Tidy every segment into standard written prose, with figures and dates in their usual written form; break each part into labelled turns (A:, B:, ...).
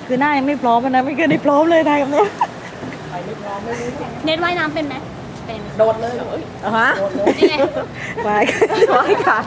A: คือหน้ายังไม่พร้อมนะไม่เคยได้พร้อมเลยทายกับเนี้ย
B: เน็ตว่ายน้ำเป็นไหมเป็น
C: โดดเลย
A: ฮะ
B: นี่ไง
A: วายค่ะ
B: ว่ายค่ะ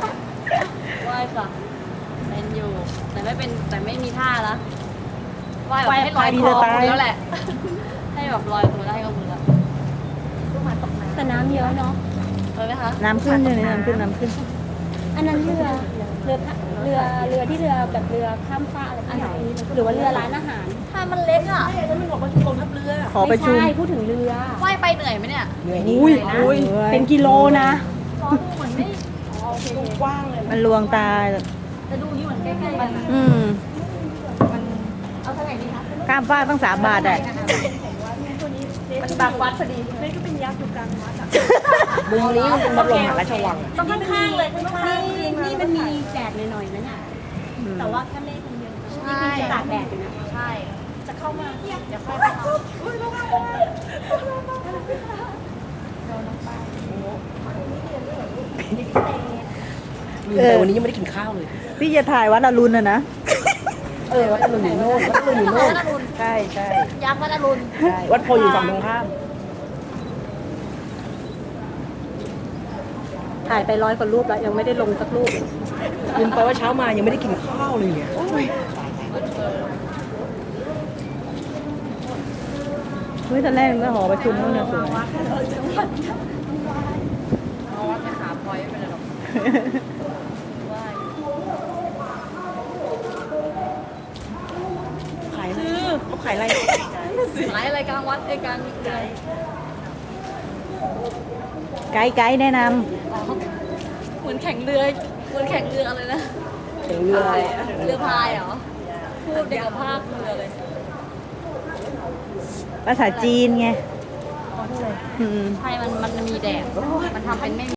B: เป็นอยู่แต่ไม่เป็นแต่ไม่มีท่าละว่ายแบบให้ลอยคอคุณแล้วแหละ ให้แบบลอยตัวได้ก็คุณละแต่น้ำเยอะเนาะเลยไหมคะ
A: น้ำขึ้นเลยน้ำขึ้นน้ำขึ้น
B: อันนั้นเรือที่เรือแบบเรือข้ามฟ้ากอะไรที่ไหนหรือว่าเรือร้านอาหารถ้ามันเล็กอ่ะ
C: มันบอกว่าชุมกองทัพเรือ
A: ขอประชุม
B: ไม่ใช่พูดถึงเรือว่ายไปเหนื่อยไหมเนี่ย
C: เหนื่อย
A: อุ้ยอุ้ย
B: เป็นกิโลนะ
C: เหมือนไม่กว้างเลย
A: มันลวงตา
B: จะดูนี่เหมือนใกล้ๆกัน
A: อืม
B: เอาเท่าไหร่ดีคะ
A: ข้ามฟากตั้ง3 บาทอ่ะ
B: มันบางวัดพอดีนี่ก็เป็นยักษ์อยู่กลางวัดอ่ะ
C: มุมนี้มันเป็นบรมหาราชวัง
B: ต้องข้างๆเลยนี่มันมีแดดหน่อยๆนะเนี่ยแต่ว่าแค่เมฆมันเยอะนี่คือตากแดดอยู่นะใช่จะเข้ามาเดี๋ยวค่อยเข้า
C: แต่วันนี้ยังไม่ได้กินข้าวเลย
A: พี่จะถ่ายวัดอรุณนะ
C: วัดอรุณอยู่โน่นวัดอรุณอยู่โน่นใช่ใช่
B: ยักษ์วัดอรุณ
C: ใช่วัดโพอยู่ฝั่งตรงข้าม
B: ถ่ายไป100 กว่ารูปแล้วยังไม่ได้ลงสักรูป
C: ลืมไปว่าเช้ามายังไม่ได้กินข้าวเลยเนี่ย
A: เฮ้ยตอนแรกมันก็หอประชุมนู่นน่ะสวย
B: เอาวัดไปขาพลอยไม่เป็นไรหรอก
C: ขายอะไรเขาขายอะไร
B: ขายอะไรกลางวัดกลางเดือน
A: ไกด์แนะน
B: เหมือนแข่งเรืออะไรนะ
C: ถึงเรืออะไร
B: เรือพายเหรอพูดเด็กกับภาคเรือเลย
A: ำภาษาจีนไงอืม
B: ใช่มันมีแดดมันทำเป็นไม่